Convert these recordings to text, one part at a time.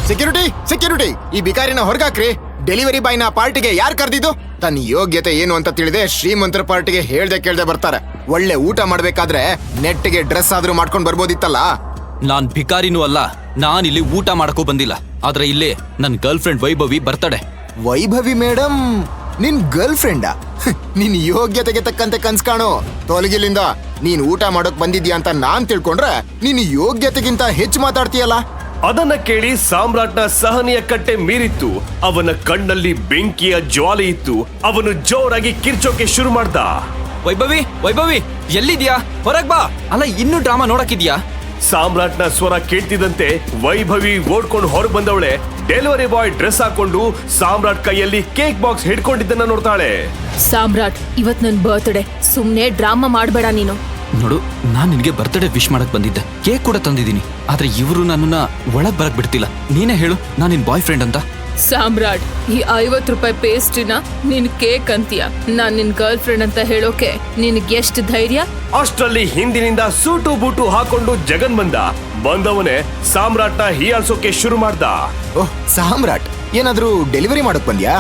Security security, ಈ ಬಿಕಾರಿನ ಹೊರಗಾಕ್ರಿ. Delivery ಬಾಯ್ನ ಪಾರ್ಟಿಗೆ ಯಾರು ಕರೆದಿದ್ದು? ತನ್ನ ಯೋಗ್ಯತೆ ಏನು ಅಂತ ತಿಳಿದೆ ಶ್ರೀಮಂತರ ಪಾರ್ಟಿಗೆ ಹೇಳ್ದೆ ಕೇಳ್ದೆ ಬರ್ತಾರೆ. ಒಳ್ಳೆ ಊಟ ಮಾಡ್ಬೇಕಾದ್ರೆ ನೆಟ್ಟಿಗೆ ಡ್ರೆಸ್ ಆದ್ರೂ ಮಾಡ್ಕೊಂಡ್ ಬರ್ಬೋದಿತ್ತಲ್ಲ. ನಾನ್ ಭಿಕಾರಿನೂ ಅಲ್ಲ, ನಾನಿಲ್ಲಿ ಊಟ ಮಾಡಕ್ಕೂ ಬಂದಿಲ್ಲ. ಆದ್ರೆ ಇಲ್ಲಿ ನನ್ girlfriend Vaibhavi birthday. Vaibhavi madam ನಿನ್ ಗರ್ಲ್ ಫ್ರೆಂಡಾ? ನಿನ್ ಯೋಗ್ಯತೆಗೆ ತಕ್ಕಂತೆ ಕನ್ಸ್ ಕಾಣು. ತೊಲಗಿಲಿಂದ ನೀನ್ ಊಟ ಮಾಡೋಕ್ ಬಂದಿದ್ಯಾ ಅಂತ ನಾನ್ ತಿಳ್ಕೊಂಡ್ರೆ ನೀನ್ ಯೋಗ್ಯತೆಗಿಂತ ಹೆಚ್ಚು ಮಾತಾಡ್ತೀಯಲ್ಲ. ಅದನ್ನ ಕೇಳಿ ಸಾಮ್ರಾಟ್ನ ಸಹನೆಯ ಕಟ್ಟೆ ಮೀರಿತ್ತು. ಅವನ ಕಣ್ಣಲ್ಲಿ ಬೆಂಕಿಯ ಜ್ವಾಲೆ ಇತ್ತು. ಅವನು ಜೋರಾಗಿ ಕಿರ್ಚೋಕೆ ಶುರು ಮಾಡ್ದ. ವೈಭವಿ ವೈಭವಿ ಎಲ್ಲಿದ್ಯಾ? ಹೊರಗ್ ಬಾ. ಅಲ್ಲ ಇನ್ನೂ ಡ್ರಾಮಾ ನೋಡಕ್ಕಿದ್ಯಾ? ಸಾಮ್ರಾಟ್ನ ಸ್ವರ ಕೇಳ್ತಿದ್ದಂತೆ ವೈಭವಿ ಓಡ್ಕೊಂಡು ಹೊರಗೆ ಬಂದವಳೆ. ಡೆಲಿವರಿ ಬಾಯ್ ಡ್ರೆಸ್ ಹಾಕೊಂಡು ಸಾಮ್ರಾಟ್ ಕೈಯಲ್ಲಿ ಕೇಕ್ ಬಾಕ್ಸ್ ಹಿಡ್ಕೊಂಡಿದ್ದನ್ನ ನೋಡ್ತಾಳೆ. ಸಾಮ್ರಾಟ್, ಇವತ್ ನನ್ ಬರ್ತ್ಡೇ, ಸುಮ್ನೆ ಡ್ರಾಮಾ ಮಾಡ್ಬೇಡ ನೀನು. ನೋಡು, ನಾನ್ ನಿನ್ಗೆ ಬರ್ತ್ಡೇ ವಿಶ್ ಮಾಡಕ್ ಬಂದಿದ್ದೆ, ಕೇಕ್ ಕೂಡ ತಂದಿದ್ದೀನಿ. ಆದ್ರೆ ಇವರು ನನ್ನನ್ನ ಒಳಗ್ ಬರಕ್ ಬಿಡ್ತಿಲ್ಲ. ನೀನೇ ಹೇಳು, ನಾನ್ ನಿನ್ ಬಾಯ್ ಫ್ರೆಂಡ್ ಅಂತ. ಸಾಮ್ರಾಟ್, ಈ 50 ರೂಪಾಯಿ ಪೇಸ್ಟಿನ ನಿನ್ ಕೇಕ್ ಅಂತೀಯ? ನಾನ್ ನಿನ್ ಗರ್ಲ್ ಫ್ರೆಂಡ್ ಅಂತ ಹೇಳೋಕೆ ನಿನ್ಗೆ ಎಷ್ಟು ಧೈರ್ಯ? ಅಷ್ಟರಲ್ಲಿ ಹಿಂದಿನಿಂದ ಸೂಟು ಬೂಟು ಹಾಕೊಂಡು ಜಗನ್ ಬಂದವನೇ ಸಾಮ್ರಾಟ್ನ ಹೀಯಾಳ್ಸೋಕೆ ಶುರು ಮಾಡ್ದ. ಓಹ್ ಸಾಮ್ರಾಟ್, ಏನಾದ್ರೂ ಡೆಲಿವರಿ ಮಾಡಕ್ ಬಂದ್ಯಾ?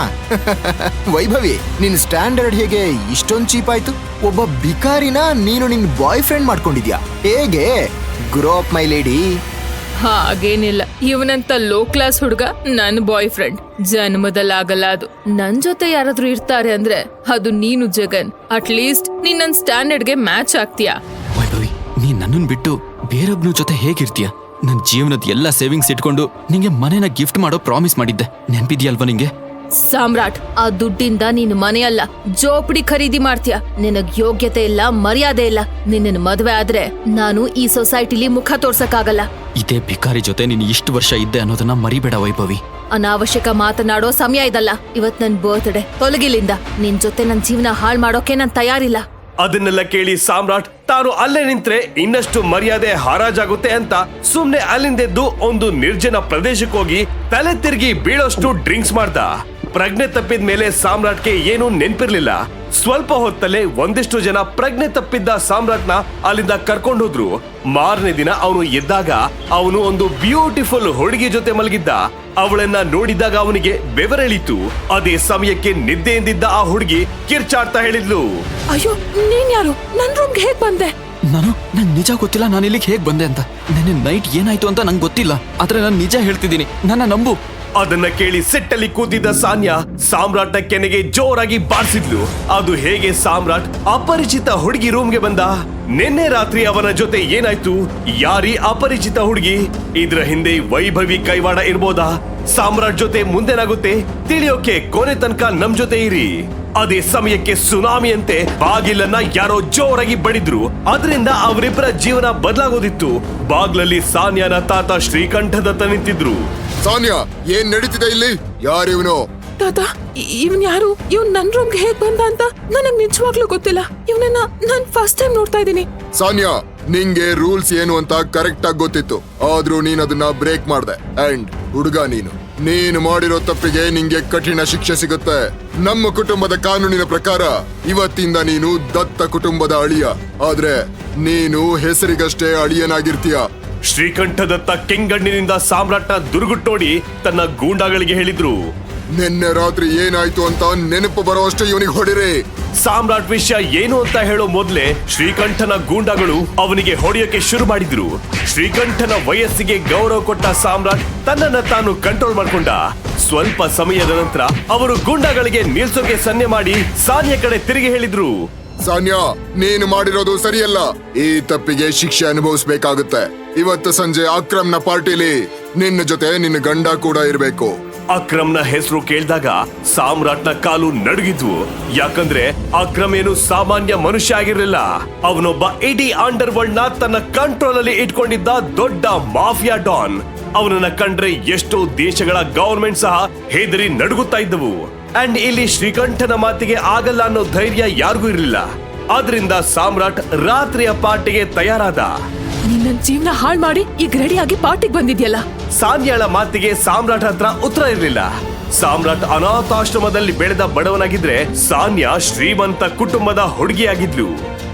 ವೈಭವಿ, ನಿನ್ ಸ್ಟ್ಯಾಂಡರ್ಡ್ ಹೇಗೆ ಇಷ್ಟೊಂದ್ ಚೀಪ್ ಆಯ್ತು? ಒಬ್ಬ ಬಿಕಾರಿನ ನೀನು ನಿನ್ ಬಾಯ್ ಫ್ರೆಂಡ್ ಮಾಡ್ಕೊಂಡಿದ್ಯಾ? ಹೇಗೆ? Grow up my lady. ಹಾಗೇನಿಲ್ಲ, ಇವನಂತ ಲೋ ಕ್ಲಾಸ್ ಹುಡುಗ ನನ್ ಬಾಯ್ ಫ್ರೆಂಡ್ ಜನ್ಮದಲ್ಲಾಗಲ್ಲ. ಅದು ನನ್ ಜೊತೆ ಯಾರಾದ್ರೂ ಇರ್ತಾರೆ ಅಂದ್ರೆ ಅದು ನೀನು ಜಗನ್. ಅಟ್ಲೀಸ್ಟ್ ನೀನ್ ನನ್ ಸ್ಟ್ಯಾಂಡರ್ಡ್ಗೆ ಮ್ಯಾಚ್ ಆಗ್ತೀಯಾ? ವೈಭವಿ, ನೀನ್ ನನ್ನನ್ ಬಿಟ್ಟು ಬೇರೊಬ್ನ ಜೊತೆ ಹೇಗಿರ್ತೀಯ? ನನ್ ಜೀವನದ ಎಲ್ಲ ಸೇವಿಂಗ್ಸ್ ಇಟ್ಕೊಂಡು ನಿಂಗೆ ಮನೆನ ಗಿಫ್ಟ್ ಮಾಡೋ ಪ್ರಾಮಿಸ್ ಮಾಡಿದ್ದೆ, ನೆನ್ಪಿದ್ಯಲ್ವಾ ನಿಂಗೆ? ಸಾಮ್ರಾಟ್, ಆ ದುಡ್ಡಿಂದ ನೀನು ಮನೆಯಲ್ಲ ಜೋಪಡಿ ಖರೀದಿ ಮಾಡ್ತೀಯ. ನಿನಗ್ ಯೋಗ್ಯತೆ ಇಲ್ಲ, ಮರ್ಯಾದೆ ಇಲ್ಲ. ನಿನ್ನ ಮದ್ವೆ ಆದ್ರೆ ನಾನು ಈ ಸೊಸೈಟಿಲಿ ಮುಖ ತೋರ್ಸಕ್ಕಾಗಲ್ಲ. ಇದೇ ಭಿಕಾರಿ ಜೊತೆ ನೀನು ಇಷ್ಟು ವರ್ಷ ಇದ್ದೆ ಅನ್ನೋದನ್ನ ಮರಿಬೇಡ ವೈಭವಿ. ಅನಾವಶ್ಯಕ ಮಾತನಾಡೋ ಸಮಯ ಇದಲ್ಲ. ಇವತ್ ನನ್ ಬರ್ತ್ಡೇ, ತೊಲಗಿಲಿಂದ ನಿನ್ ಜೊತೆ ನನ್ ಜೀವನ ಹಾಳ್ ಮಾಡೋಕೆ ನಾನ್ ತಯಾರಿಲ್ಲ. ಅದನ್ನೆಲ್ಲ ಕೇಳಿ ಸಾಮ್ರಾಟ್ ತಾನು ಅಲ್ಲೇ ನಿಂತ್ರೆ ಇನ್ನಷ್ಟು ಮರ್ಯಾದೆ ಹರಾಜಾಗುತ್ತೆ ಅಂತ ಸುಮ್ನೆ ಅಲ್ಲಿಂದೆದ್ದು ಒಂದು ನಿರ್ಜನ ಪ್ರದೇಶಕ್ಕೆ ಹೋಗಿ ತಲೆ ತಿರುಗಿ ಬೀಳೋಷ್ಟು ಡ್ರಿಂಕ್ಸ್ ಮಾಡ್ದ. ಪ್ರಜ್ಞೆ ತಪ್ಪಿದ ಮೇಲೆ ಸಾಮ್ರಾಟ್ಗೆ ಏನೂ ನೆನ್ಪಿರ್ಲಿಲ್ಲ. ಸ್ವಲ್ಪ ಹೊತ್ತಲ್ಲೇ ಒಂದಿಷ್ಟು ಜನ ಪ್ರಜ್ಞೆ ತಪ್ಪಿದ್ದ ಸಾಮ್ರಾಟ್ನ ಅಲ್ಲಿಂದ ಕರ್ಕೊಂಡು ಹೋದ್ರು. ಮಾರನೇ ದಿನ ಅವನು ಎದ್ದಾಗ ಅವನು ಒಂದು ಬ್ಯೂಟಿಫುಲ್ ಹುಡುಗಿ ಜೊತೆ ಮಲಗಿದ್ದ. ಅವಳನ್ನ ನೋಡಿದಾಗ ಅವನಿಗೆ ಬೆವರೆಳಿತು. ಅದೇ ಸಮಯಕ್ಕೆ ನಿದ್ದೆಯಿಂದಿದ್ದ ಆ ಹುಡುಗಿ ಕಿರ್ಚಾಡ್ತಾ ಹೇಳಿದ್ಲು, ಅಯ್ಯೋ, ನೀನ್ ಯಾರು? ನನ್ ರೂಮ್ಗೆ ಹೇಗ್ ಬಂದೆ? ನಂಗ್ ನಿಜ ಗೊತ್ತಿಲ್ಲ ನಾನು ಇಲ್ಲಿಗೆ ಹೇಗ್ ಬಂದೆ ಅಂತ. ನೆನ್ನೆ ನೈಟ್ ಏನಾಯ್ತು ಅಂತ ನಂಗೆ ಗೊತ್ತಿಲ್ಲ, ಆದ್ರೆ ನಾನು ನಿಜ ಹೇಳ್ತಿದ್ದೀನಿ, ನನ್ನ ನಂಬು. ಅದನ್ನ ಕೇಳಿ ಸೆಟ್ಟಲ್ಲಿ ಕೂತಿದ್ದ ಸಾನ್ಯಾ ಸಾಮ್ರಾಟ್ನ ಕೆನೆಗೆ ಜೋರಾಗಿ ಬಾರಿಸಿದ್ಲು. ಅದು ಹೇಗೆ ಸಾಮ್ರಾಟ್ ಅಪರಿಚಿತ ಹುಡುಗಿ ರೂಮ್ಗೆ ಬಂದ? ನಿನ್ನೆ ರಾತ್ರಿ ಅವನ ಜೊತೆ ಏನಾಯ್ತು? ಯಾರೀ ಅಪರಿಚಿತ ಹುಡುಗಿ? ಇದ್ರ ಹಿಂದೆ ವೈಭವಿ ಕೈವಾಡ ಇರ್ಬೋದಾ? ಸಾಮ್ರಾಟ್ ಜೊತೆ ಮುಂದೇನಾಗುತ್ತೆ ತಿಳಿಯೋಕೆ ಕೊನೆ ತನಕ ನಮ್ ಜೊತೆ ಇರಿ. ಅದೇ ಸಮಯಕ್ಕೆ ಸುನಾಮಿಯಂತೆ ಬಾಗಿಲನ್ನ ಯಾರೋ ಜೋರಾಗಿ ಬಡಿದ್ರು. ಅದರಿಂದ ಅವರಿಬ್ಬರ ಜೀವನ ಬದಲಾಗೋದಿತ್ತು. ಬಾಗ್ಲಲ್ಲಿ ಸಾನ್ಯಾನ ತಾತ ಶ್ರೀಕಂಠದತ್ತ ನಿಂತಿದ್ರು. ಸಾನ್ಯಾ, ಏನ್ ನಡೀತಿದೆ ಇಲ್ಲಿ? ಯಾರಿವನು? ತಾತ, ಇವನ್ ಯಾರು? ಇವನ್ ನನ್ ರೂಮ್ಗೆ ಹೇಗ್ ಬಂದ ಅಂತ ನನಗ್ ನಿಜವಾಗ್ಲೂ ಗೊತ್ತಿಲ್ಲ. ಇವನನ್ನ ನಾನ್ ಫಸ್ಟ್ ಟೈಮ್ ನೋಡ್ತಾ ಇದ್ದೀನಿ. ಸಾನ್ಯಾ, ನಿಂಗೆ ರೂಲ್ಸ್ ಏನು ಅಂತ ಕರೆಕ್ಟ್ ಆಗಿ ಗೊತ್ತಿತ್ತು, ಆದ್ರೂ ನೀನ್ ಅದನ್ನ ಬ್ರೇಕ್ ಮಾಡ್ದೆ. ಅಂಡ್ ಹುಡುಗ, ನೀನು ಮಾಡಿರೋ ತಪ್ಪಿಗೆ ನಿಂಗೆ ಕಠಿಣ ಶಿಕ್ಷೆ ಸಿಗುತ್ತೆ. ನಮ್ಮ ಕುಟುಂಬದ ಕಾನೂನಿನ ಪ್ರಕಾರ ಇವತ್ತಿಂದ ನೀನು ದತ್ತ ಕುಟುಂಬದ ಅಳಿಯ. ಆದ್ರೆ ನೀನು ಹೆಸರಿಗಷ್ಟೇ ಅಳಿಯನಾಗಿರ್ತೀಯ. ಶ್ರೀಕಂಠದತ್ತ ಕೆಂಗಣ್ಣಿನಿಂದ ಸಾಮ್ರಾಟ್ನ ದುರ್ಗುಟ್ಟೋಡಿ ತನ್ನ ಗೂಂಡಾಗಳಿಗೆ ಹೇಳಿದ್ರು, ನಿನ್ನೆ ರಾತ್ರಿ ಏನಾಯ್ತು ಅಂತ ನೆನಪು ಬರೋಷ್ಟೇ ಇವನಿಗೆ ಹೊಡಿರಿ. ಸಾಮ್ರಾಟ್ ವಿಷಯ ಏನು ಅಂತ ಹೇಳೋ ಮೊದ್ಲೇ ಶ್ರೀಕಂಠನ ಗೂಂಡಾಗಳು ಅವನಿಗೆ ಹೊಡೆಯೋಕೆ ಶುರು ಮಾಡಿದ್ರು. ಶ್ರೀಕಂಠನ ವಯಸ್ಸಿಗೆ ಗೌರವ ಕೊಟ್ಟ ಸಾಮ್ರಾಟ್ ತನ್ನನ್ನ ತಾನು ಕಂಟ್ರೋಲ್ ಮಾಡ್ಕೊಂಡ. ಸ್ವಲ್ಪ ಸಮಯದ ನಂತರ ಅವರು ಗೂಂಡಾಗಳಿಗೆ ನಿಲ್ಸೋಕೆ ಸನ್ನೆ ಮಾಡಿ ಸಾನ್ಯಾ ಕಡೆ ತಿರುಗಿ ಹೇಳಿದ್ರು, ಸಾನ್ಯಾ, ನೀನು ಮಾಡಿರೋದು ಸರಿಯಲ್ಲ. ಈ ತಪ್ಪಿಗೆ ಶಿಕ್ಷೆ ಅನುಭವಿಸ್ಬೇಕಾಗುತ್ತೆ. ಇವತ್ತು ಸಂಜೆ ಅಕ್ರಮ್ನ ಪಾರ್ಟಿಲಿ ನಿನ್ನ ಜೊತೆ ನಿನ್ನ ಗಂಡ ಕೂಡ ಇರ್ಬೇಕು. ಅಕ್ರಮ್ನ ಹೆಸರು ಕೇಳಿದಾಗ ಸಾಮ್ರಾಟ್ನ ಕಾಲು ನಡುಗಿದ್ವು. ಯಾಕಂದ್ರೆ ಅಕ್ರಮ್ ಏನು ಸಾಮಾನ್ಯ ಮನುಷ್ಯ ಆಗಿರ್ಲಿಲ್ಲ. ಅವನೊಬ್ಬ ಇಡೀ ಅಂಡರ್ ವರ್ಲ್ಡ್ ನ ತನ್ನ ಕಂಟ್ರೋಲ್ ಅಲ್ಲಿ ಇಟ್ಕೊಂಡಿದ್ದ ದೊಡ್ಡ ಮಾಫಿಯಾ ಡಾನ್. ಅವನನ್ನ ಕಂಡ್ರೆ ಎಷ್ಟೋ ದೇಶಗಳ ಗವರ್ಮೆಂಟ್ ಸಹ ಹೆದರಿ ನಡುಗುತ್ತಾ ಇದ್ದವು. ಅಂಡ್ ಇಲ್ಲಿ ಶ್ರೀಕಂಠನ ಮಾತಿಗೆ ಆಗಲ್ಲ ಅನ್ನೋ ಧೈರ್ಯ ಯಾರಿಗೂ ಇರಲಿಲ್ಲ. ಆದ್ರಿಂದ ಸಾಮ್ರಾಟ್ ರಾತ್ರಿಯ ಪಾರ್ಟಿಗೆ ತಯಾರಾದ. ನಿನ್ನ ಜೀವನ ಹಾಳ್ ಮಾಡಿ ಈಗ ರೆಡಿಯಾಗಿ ಪಾರ್ಟಿಗೆ ಬಂದಿದ್ಯಲ್ಲ. ಸಾನ್ಯಾಳ ಮಾತಿಗೆ ಸಾಮ್ರಾಟ್ ಹತ್ರ ಉತ್ತರ ಇರಲಿಲ್ಲ. ಸಾಮ್ರಾಟ್ ಅನಾಥಾಶ್ರಮದಲ್ಲಿ ಬೆಳೆದ ಬಡವನಾಗಿದ್ರೆ ಸಾನ್ಯಾ ಶ್ರೀಮಂತ ಕುಟುಂಬದ ಹುಡುಗಿಯಾಗಿದ್ಲು.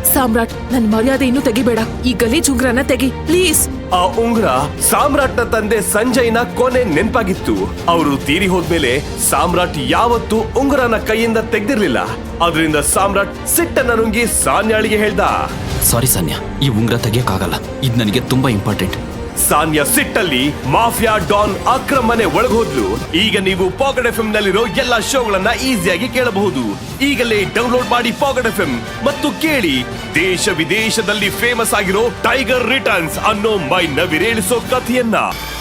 ಸಾಮ್ರಾಟ್ ನನ್ ಮರ್ಯಾದೆ ಇನ್ನೂ ತೆಗಿಬೇಡ, ಈ ಗಲೀಜ್ ಉಂಗ್ರನ ತೆಗಿ ಪ್ಲೀಸ್. ಆ ಉಂಗ್ರ ಸಾಮ್ರಾಟ್ನ ತಂದೆ ಸಂಜಯ್ನ ಕೊನೆ ನೆನ್ಪಾಗಿತ್ತು. ಅವರು ತೀರಿ ಹೋದ್ಮೇಲೆ ಸಾಮ್ರಾಟ್ ಯಾವತ್ತೂ ಉಂಗುರನ ಕೈಯಿಂದ ತೆಗ್ದಿರ್ಲಿಲ್ಲ. ಅದರಿಂದ ಸಾಮ್ರಾಟ್ ಸಿಟ್ಟನ್ನ ನುಂಗಿ ಸಾನ್ಯಾಳಿಗೆ ಹೇಳ್ದ. ಸಾರಿ ಸಾನ್ಯಾ, ಈ ಉಂಗ್ರ ತೆಗಿಯಕ್ಕಾಗಲ್ಲ, ಇದು ನನಗೆ ತುಂಬಾ ಇಂಪಾರ್ಟೆಂಟ್. ಸಾನ್ಯಾ ಸಿಟ್ಟಲ್ಲಿ ಮಾಫಿಯಾ ಡಾನ್ ಅಕ್ರಮ್ ಮನೆ ಒಳಗೋದ್ಲು. ಈಗ ನೀವು ಪಾಕೆಟ್ ಎಫ್ಎಂ ನಲ್ಲಿರೋ ಎಲ್ಲಾ ಶೋಗಳನ್ನ ಈಸಿಯಾಗಿ ಕೇಳಬಹುದು. ಈಗಲೇ ಡೌನ್ಲೋಡ್ ಮಾಡಿ ಪಾಕೆಟ್ ಎಫ್ಎಂ ಮತ್ತು ಕೇಳಿ ದೇಶ ವಿದೇಶದಲ್ಲಿ ಫೇಮಸ್ ಆಗಿರೋ ಟೈಗರ್ ರಿಟರ್ನ್ಸ್ ಅನ್ನೋ ಮೈ ನವಿರೇಳಿಸೋ ಕಥೆಯನ್ನ.